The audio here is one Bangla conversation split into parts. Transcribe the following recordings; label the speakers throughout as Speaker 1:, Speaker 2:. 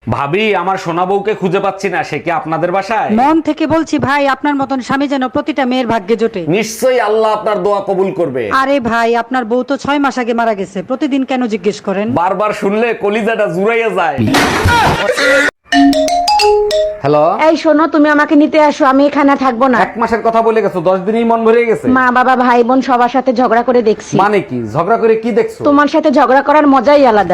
Speaker 1: ভাবি, আমার সোনা বউকে খুঁজে পাচ্ছি না, সে কি আপনাদের বাসায়?
Speaker 2: মন থেকে বলছি ভাই, আপনার মতন স্বামী যেন প্রতিটা মেয়ের ভাগ্যে জোটে।
Speaker 1: নিশ্চয়ই আল্লাহ আপনার দোয়া কবুল করবে।
Speaker 2: আরে ভাই, আপনার বউ তো 6 মাস আগে মারা গেছে, প্রতিদিন কেন জিজ্ঞেস করেন?
Speaker 1: বারবার শুনলে কলিজাটা জুড়াইয়া যায়। হ্যালো,
Speaker 3: এই শোনো, তুমি আমাকে নিতে আসো, আমি এখানে থাকবো না।
Speaker 1: 1 মাসের কথা বলে গেছো, 10 দিনই মন ভরে গেছে।
Speaker 3: মা বাবা ভাই বোন সবার সাথে ঝগড়া করে দেখছি।
Speaker 1: মানে কি ঝগড়া করে কি দেখছো?
Speaker 3: তোমার সাথে ঝগড়া করার মজাই আলাদা।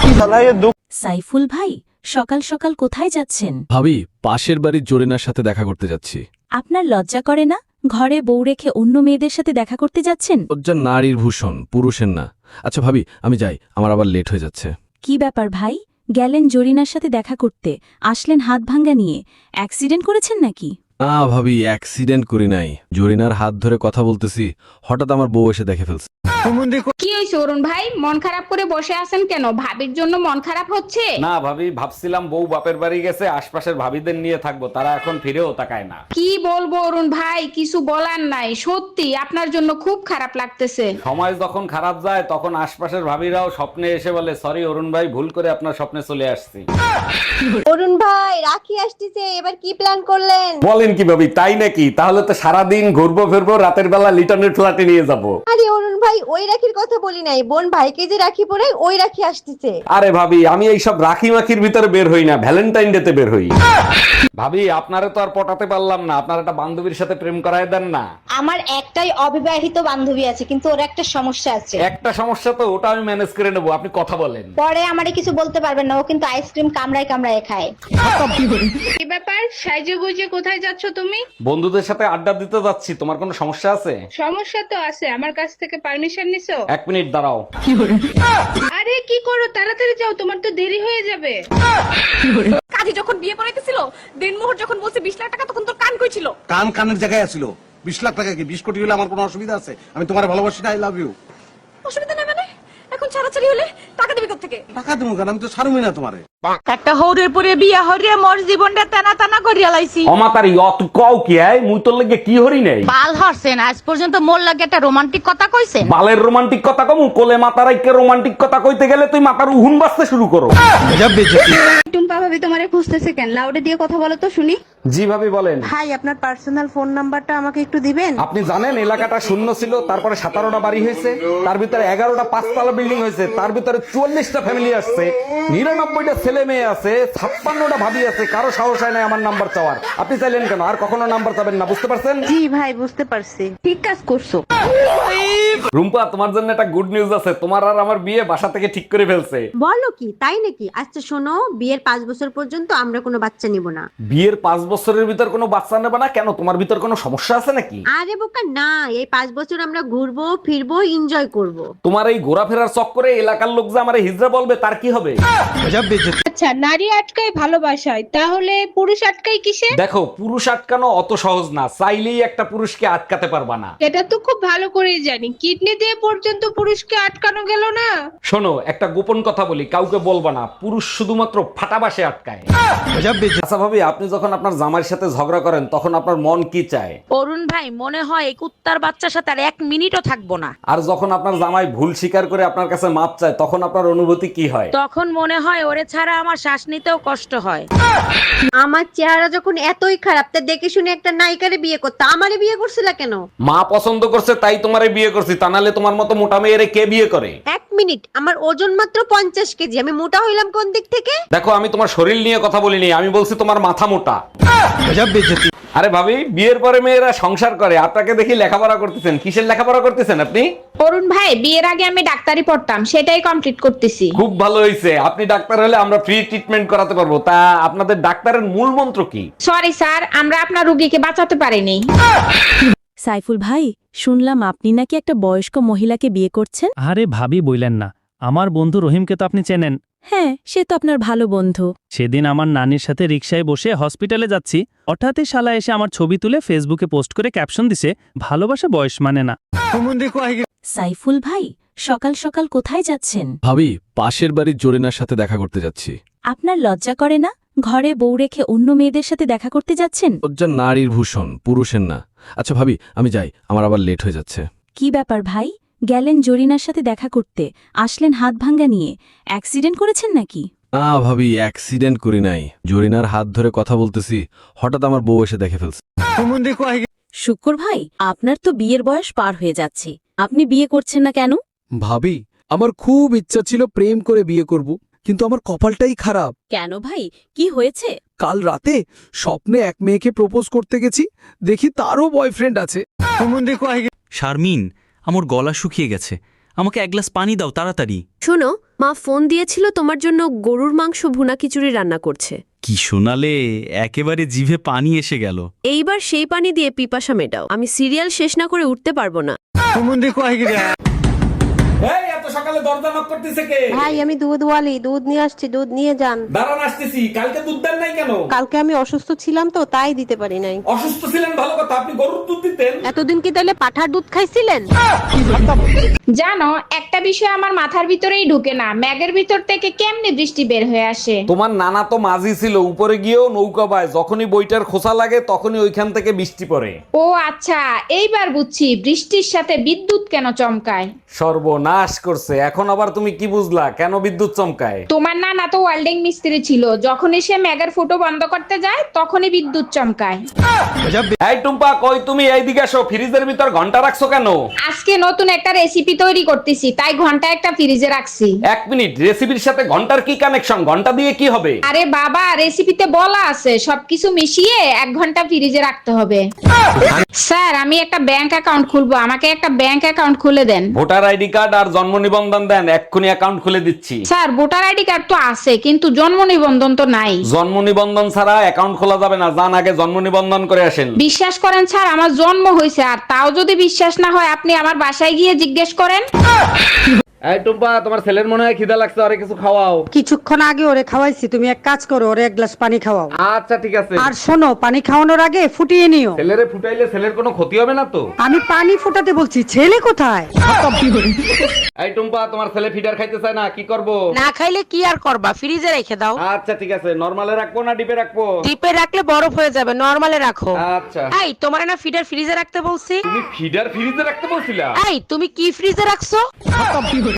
Speaker 4: সাইফুল ভাই, সকাল সকাল কোথায় যাচ্ছেন?
Speaker 5: ভাবি, পাশের বাড়ির জরিনার সাথে দেখা করতে যাচ্ছি।
Speaker 4: আপনার লজ্জা করে না? ঘরে বউ রেখে অন্য মেয়েদের সাথে দেখা করতে যাচ্ছেন?
Speaker 5: লজ্জা নারীর ভূষণ, পুরুষের না। আচ্ছা ভাবি, আমি যাই, আমার আবার লেট হয়ে যাচ্ছে।
Speaker 4: কি ব্যাপার ভাই, গেলেন জরিনার সাথে দেখা করতে, আসলেন হাত ভাঙ্গা নিয়ে। অ্যাক্সিডেন্ট করেছেন নাকি?
Speaker 5: না ভাবি, অ্যাক্সিডেন্ট করি নাই। জরিনার হাত ধরে কথা বলতেছি, হঠাৎ আমার বউ এসে দেখে ফেলছে।
Speaker 6: কি হয়েছে অরুণ ভাই, মন খারাপ করে বসে আছেন কেন? ভাবির জন্য মন খারাপ হচ্ছে?
Speaker 1: না ভাবি, ভাবছিলাম বউ বাপের বাড়ি গেছে, আশপাশের ভাবিদের নিয়ে থাকবো, তারা এখন ফিরেও তাকায় না।
Speaker 6: কি বলবো অরুণ ভাই, কিছু বলার নাই, সত্যি আপনার জন্য খুব খারাপ লাগতেছে।
Speaker 1: সময় যখন খারাপ যায় তখন আশপাশের ভাবিরাও স্বপ্নে এসে বলে, সরি অরুণ ভাই, ভুল করে আপনার স্বপ্নে চলে আসছি।
Speaker 7: অরুণ ভাই, রাখি আসতেছে, এবার কি প্ল্যান করলেন?
Speaker 1: বলেন কি ভাবি, তাই নাকি? তাহলে তো সারাদিন ঘুরবো ফিরবো, রাতের বেলা লিটনের ফ্ল্যাটে নিয়ে যাবো।
Speaker 7: আরে অরুণ ভাই, ওই রাখির কথা বলি নাই, বোন ভাইকে যে রাখি পরে ওই রাখি আসতেছে।
Speaker 1: আরে ভাবি, আমি এইসব রাখি মাখির ভিতরে বের হই না, ভ্যালেন্টাইন ডে তে বের হই। ভাবি, আপনারে তো আর পটাতে পারলাম না, আপনার একটা বান্ধবীর সাথে প্রেম করায় দেন না।
Speaker 7: আমার একটাই অবিবাহিত বান্ধবী আছে, কিন্তু ওর একটা সমস্যা আছে।
Speaker 1: একটা সমস্যা তো, ওটা আমি ম্যানেজ করে নেবো, আপনি কথা বলেন।
Speaker 7: পরে আমারে কিছু বলতে পারবেন না, ও কিন্তু আইসক্রিম কামড়ায় কামড়ায় খায়।
Speaker 6: কি ব্যাপার, সাইজে গুজে কোথায় যাচ্ছ তুমি?
Speaker 1: বন্ধুদের সাথে আড্ডা দিতে যাচ্ছি, তোমার কোনো সমস্যা আছে?
Speaker 6: সমস্যা তো আছে, আমার কাছ থেকে পারমিশন নিছো?
Speaker 1: 1 মিনিট দাঁড়াও।
Speaker 6: আরে কি করো, তাড়াতাড়ি যাও, তোমার তো দেরি হয়ে যাবে।
Speaker 8: কাজী যখন বিয়ে করাইতেছিল, দিনমোহর যখন বলছে 20 লাখ টাকা, তখন তোর কান কই ছিল?
Speaker 9: কান কানের জায়গায় আছিল। 20 লাখ টাকা কি 20 কোটি হলে আমার কোনো অসুবিধা আছে? আমি তোমার ভালোবাসি না, আই লাভ ইউ।
Speaker 8: অসুবিধা নেই মানে? এখন ছাড়াছাড়ি হলে টাকা দিবি কোত্থেকে?
Speaker 9: টাকা দেবো কেন? আমি তো ছাড়বই না তোমারে।
Speaker 8: একটা হৌরের পরে বিয়া হরিয়া মোর জীবনটা টানা টানা করিয়া লাইছি।
Speaker 1: অমাতারি অত কও কি আয়, মুই তোর লাগে কি হরি নাই?
Speaker 8: বাল হরছেন, আজ পর্যন্ত মোর লাগে একটা রোমান্টিক কথা কইছে?
Speaker 1: বালের রোমান্টিক কথা কমু? কোলে মাতারাইকে রোমান্টিক কথা কইতে গেলে তুই মাথার উহুন বাজতে শুরু করো।
Speaker 6: টুম্পা ভাবি তোমারে খুঁজতেছে কেন? লাউডে দিয়ে কথা বলো তো শুনি।
Speaker 1: জি ভাবি বলেন।
Speaker 7: ভাই, আপনার পার্সোনাল ফোন নাম্বারটা আমাকে একটু দিবেন?
Speaker 1: আপনি জানেন এলাকাটা শূন্য ছিল, তারপরে 17টা বাড়ি হয়েছে, তার ভিতরে 11টা 5তলা বিল্ডিং হয়েছে, তার ভিতরে 44টা ফ্যামিলি আসছে, 99টা ছেলে মেয়ে আছে, 56টা ভাবি আছে, কারো সাহস হয় না আমার নাম্বার চাওয়ার। আপনি চাইলেন কেন? আর কখনো নাম্বার চাবেন না, বুঝতে পারছেন?
Speaker 7: জি ভাই, বুঝতে পারছি।
Speaker 6: ঠিক কাজ করছো।
Speaker 1: রুম্পা, তোমার জন্য একটা গুড নিউজ আছে, তোমার আর আমার বিয়ে বাসা থেকে ঠিক করে ফেলছে।
Speaker 7: বলো কি, তাই নাকি? আচ্ছা শোনো, বিয়ের 5 বছর পর্যন্ত আমরা কোনো বাচ্চা নিব না।
Speaker 1: বিয়ের 5 বছরের ভিতর কোনো বাচ্চা নেবে না কেন? তোমার ভিতর কোনো সমস্যা আছে নাকি?
Speaker 7: আরে বোকা না, এই 5 বছর আমরা ঘুরবো ফিরবো, এনজয় করব।
Speaker 1: তোমার এই ঘোরাফেরার চক্করে এলাকার লোক যে আমারে হিজড়া বলবে, তার কি হবে?
Speaker 6: আচ্ছা, নারী আটকায় ভালোবাসায়, তাহলে পুরুষ আটকায় কিসে?
Speaker 1: দেখো, পুরুষ আটকানো অত সহজ না, চাইলেই একটা পুরুষকে আটকাতে পারবা না।
Speaker 6: এটা তো খুব ভালো করেই জানি, কিডনি দিয়ে পর্যন্ত পুরুষকে আটকানো গেল না।
Speaker 1: শোনো, একটা গোপন কথা বলি, কাউকে বলবা না, পুরুষ শুধুমাত্র ফাটাবাসে আটকায়। আচ্ছা ভাবি, আপনি যখন আপনার জামাইয়ের সাথে ঝগড়া করেন তখন আপনার মন কি চায়?
Speaker 8: অরুণ ভাই, মনে হয় এই কুত্তার বাচ্চার সাথে আর 1 মিনিটও থাকবো না।
Speaker 1: আর যখন আপনার জামাই ভুল স্বীকার করে আপনার কাছে মাপ চায় তখন আপনার অনুভূতি কি হয়?
Speaker 8: তখন মনে হয় ওরে ছাড়া আমার শ্বাস নিতেও কষ্ট হয়।
Speaker 7: আমার চেহারা যখন এতই খারাপ, তা দেখে শুনে একটা নায়িকারে বিয়ে করতে আমারে বিয়ে করছিল কেন?
Speaker 1: মা পছন্দ করছে তাই তোমারে বিয়ে করছি, তা নাহলে তোমার মতো মোটা মেয়েরে কে বিয়ে করে?
Speaker 7: 1 মিনিট, আমার ওজন মাত্র 50 কেজি, আমি মোটা হইলাম কোন দিক থেকে?
Speaker 1: দেখো, আমি তোমার শরীর নিয়ে কথা বলিনি, আমি বলছি তোমার মাথা মোটা। আরে ভাবি, বিয়ের পরে মেয়েরা সংসার করে, আপনাকে দেখি লেখাপড়া করতেছেন। কিসের লেখাপড়া করতেছেন আপনি?
Speaker 6: অরুণ ভাই, বিয়ের আগে আমি ডাক্তারি পড়তাম, সেটাই কমপ্লিট করতেছি।
Speaker 1: খুব ভালো হয়েছে, আপনি ডাক্তার হলে আমরা ফ্রি ট্রিটমেন্ট করাতে পারবো। তা আপনাদের ডাক্তারের মূল মন্ত্র কি?
Speaker 6: সরি স্যার, আমরা আপনার রোগীকে বাঁচাতে পারিনি।
Speaker 4: সাইফুল ভাই, শুনলাম আপনি নাকি একটা বয়স্ক মহিলাকে বিয়ে করছেন?
Speaker 10: আরে ভাবি, বইলেন না, আমার বন্ধু রহিমকে তো আপনি চেনেন।
Speaker 4: হ্যাঁ, সে তো আপনার ভালো বন্ধু।
Speaker 10: সেদিন আমার নানির সাথে রিকশায় বসে হসপিটালে যাচ্ছি, হঠাৎই শালা এসে আমার ছবি তুলে ফেসবুকে পোস্ট করে ক্যাপশন দিছে, ভালোবাসা বয়স মানে না।
Speaker 4: সাইফুল ভাই, সকাল সকাল কোথায় যাচ্ছেন?
Speaker 5: ভাবি, পাশের বাড়ির জরিনার সাথে দেখা করতে যাচ্ছি।
Speaker 4: আপনার লজ্জা করে না? ঘরে বউ রেখে অন্য মেয়েদের সাথে দেখা করতে যাচ্ছেন?
Speaker 5: লজ্জা নারীর ভূষণ, পুরুষের না। আচ্ছা ভাবি, আমি যাই, আমার আবার লেট হয়ে যাচ্ছে।
Speaker 4: কি ব্যাপার ভাই, গেলেন জরিনার সাথে দেখা করতে, আসলেন হাত ভাঙ্গা নিয়ে। অ্যাক্সিডেন্ট করেছেন নাকি?
Speaker 5: না ভাবি, অ্যাক্সিডেন্ট করি নাই। জরিনার হাত ধরে কথা বলতেছি, হঠাৎ আমার বউ এসে দেখে ফেলছে।
Speaker 4: শুক্র ভাই, আপনার তো বিয়ের বয়স পার হয়ে যাচ্ছে, আপনি বিয়ে করছেন না কেন?
Speaker 11: ভাবি, আমার খুব ইচ্ছা ছিল প্রেম করে বিয়ে করব, কিন্তু আমার কপালটাই খারাপ।
Speaker 4: কেন ভাই, কি হয়েছে?
Speaker 11: কাল রাতে স্বপ্নে এক মেয়েকে প্রপোজ করতে গেছি, দেখি তারও বয়ফ্রেন্ড আছে।
Speaker 10: শারমিন, আমার গলা শুকিয়ে গেছে, আমাকে এক গ্লাস পানি দাও তাড়াতাড়ি।
Speaker 7: শোনো, মা ফোন দিয়েছিল তোমার জন্য গরুর মাংস ভুনা খিচুড়ি রান্না করছে।
Speaker 10: কি শোনালে, একেবারে জিভে পানি এসে গেল।
Speaker 7: এইবার সেই পানি দিয়ে পিপাসা মেটাও, আমি সিরিয়াল শেষ না করে উঠতে পারবো না।
Speaker 1: এই এত সকালে দরজা নক করতেছে কে?
Speaker 7: ভাই, আমি দুধ ওয়ালি, দুধ নিয়ে আসছি, দুধ নিয়ে যান।
Speaker 1: দাঁড়ান আসতেছি। কালকে দুধ দেন নাই কেন?
Speaker 7: কালকে আমি অসুস্থ ছিলাম তো, তাই দিতে পারি নাই।
Speaker 1: অসুস্থ ছিলেন ভালো কথা, আপনি গরুর দুধ দিতেন।
Speaker 7: এতদিন কি তাহলে পাঠার দুধ খাইছিলেন?
Speaker 6: জানো, একটা বিষয় আমার মাথার ভিতরেই ঢুকে না, ম্যাগের ভিতর থেকে কেমনে বৃষ্টি বের হয়ে আসে?
Speaker 1: তোমার নানা তো মাঝি ছিল, উপরে গিয়েও নৌকা বায়, যখনই বইটার খোসা লাগে তখনই ওইখান থেকে বৃষ্টি পড়ে।
Speaker 6: ও আচ্ছা, এইবার বুঝছি বৃষ্টির সাথে বিদ্যুৎ কেন চমকায়।
Speaker 1: সর্বনাশ করছে। এখন আবার তুমি কি বুঝলা কেন বিদ্যুৎ চমকায়?
Speaker 6: তোমার নানা তো ওয়েল্ডিং মিস্ত্রি ছিল, যখনই সে ম্যাগের ফুটো বন্ধ করতে যায় তখনই বিদ্যুৎ চমকায়।
Speaker 1: এই টুম্পা, কই তুমি? এইদিকে আসো। ফ্রিজের ভিতর ঘন্টা রাখছো কেন?
Speaker 6: আজকে নতুন একটা রেসিপি তৈরি করতেছি, তাই ঘন্টা একটা ফ্রিজে রাখছি।
Speaker 1: এক মিনিট, রেসিপির সাথে ঘন্টার কি কানেকশন? ঘন্টা দিয়ে কি হবে?
Speaker 6: আরে বাবা, রেসিপিতে বলা আছে সবকিছু মিশিয়ে 1 ঘন্টা ফ্রিজে রাখতে হবে। স্যার, আমি একটা ব্যাংক অ্যাকাউন্ট খুলবো, আমাকে একটা ব্যাংক অ্যাকাউন্ট খুলে দেন।
Speaker 1: ভোটার আইডি কার্ড আর জন্ম নিবন্ধন দেন, এক্ষুনি অ্যাকাউন্ট খুলে দিচ্ছি।
Speaker 6: স্যার, ভোটার আইডি কার্ড তো আছে, কিন্তু জন্ম নিবন্ধন তো নাই।
Speaker 1: জন্ম নিবন্ধন ছাড়া অ্যাকাউন্ট খোলা যাবে না, যান আগে জন্ম নিবন্ধন করে আসেন।
Speaker 6: বিশ্বাস করেন স্যার, আমার জন্ম হয়েছে, আর তাও যদি বিশ্বাস না হয় আপনি আমার বাসায় গিয়ে জিজ্ঞেস করেন।
Speaker 1: এই টুম্পা, তোমার ছেলের মনে হয় খিদা লাগছে, আরে কিছু খাওয়াও।
Speaker 2: কিছুক্ষণ আগে ওরে খাওয়াইছি, তুমি এক কাজ করো, ওরে এক গ্লাস পানি খাওয়াও।
Speaker 1: আচ্ছা ঠিক আছে।
Speaker 2: আর শোনো, পানি খাওয়ানোর আগে ফুটিয়ে নিও।
Speaker 1: ছেলেরে ফুটাইলে ছেলের কোনো ক্ষতি হবে না তো?
Speaker 2: আমি পানি ফুটাতে বলছি, ছেলে কোথায়?
Speaker 1: এই টুম্পা, তোমার ছেলে ফিডার খাইতে চায় না, কি করব?
Speaker 3: না খাইলে কি আর করবা, ফ্রিজে রেখে দাও।
Speaker 1: আচ্ছা ঠিক আছে। নরমালে রাখবো না ডিপে রাখবো?
Speaker 3: ডিপে রাখলে বরফ হয়ে যাবে, নরমালে রাখো।
Speaker 1: আচ্ছা।
Speaker 3: এই, তোমার না ফিডার ফ্রিজে রাখতে বলছি?
Speaker 1: তুমি ফিডার ফ্রিজে রাখতে বলছিলা?
Speaker 3: এই, তুমি কি ফ্রিজে রাখছো?